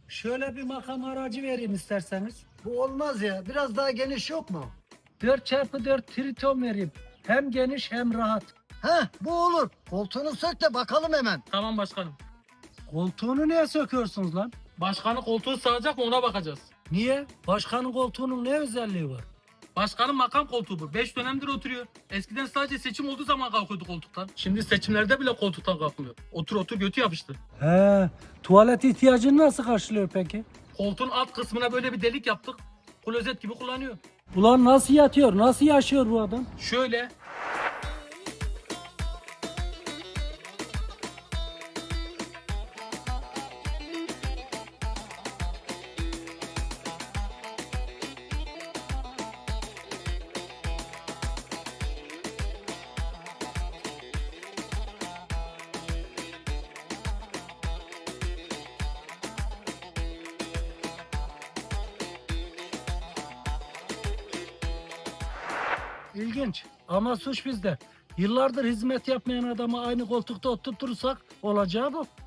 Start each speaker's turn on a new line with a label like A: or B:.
A: Şöyle bir makam aracı vereyim isterseniz.
B: Bu olmaz ya. Biraz daha geniş yok mu?
A: 4x4 Triton vereyim. Hem geniş hem rahat.
B: Heh, bu olur. Koltuğunu sök de bakalım hemen.
C: Tamam başkanım.
A: Koltuğunu niye söküyorsunuz lan?
C: Başkanın koltuğu sığacak mı ona bakacağız.
A: Niye? Başkanın koltuğunun ne özelliği var?
C: Başkanın makam koltuğu bu. 5 dönemdir oturuyor. Eskiden sadece seçim olduğu zaman kalkıyordu koltuktan. Şimdi seçimlerde bile koltuktan kalkmıyor. Otur otur götü yapıştı.
A: He, tuvalet ihtiyacını nasıl karşılıyor peki?
C: Koltuğun alt kısmına böyle bir delik yaptık. Klozet gibi kullanıyor.
A: Ulan nasıl yatıyor, nasıl yaşıyor bu adam?
C: Şöyle.
A: İlginç ama suç bizde. Yıllardır hizmet yapmayan adamı aynı koltukta oturtursak olacağı bu.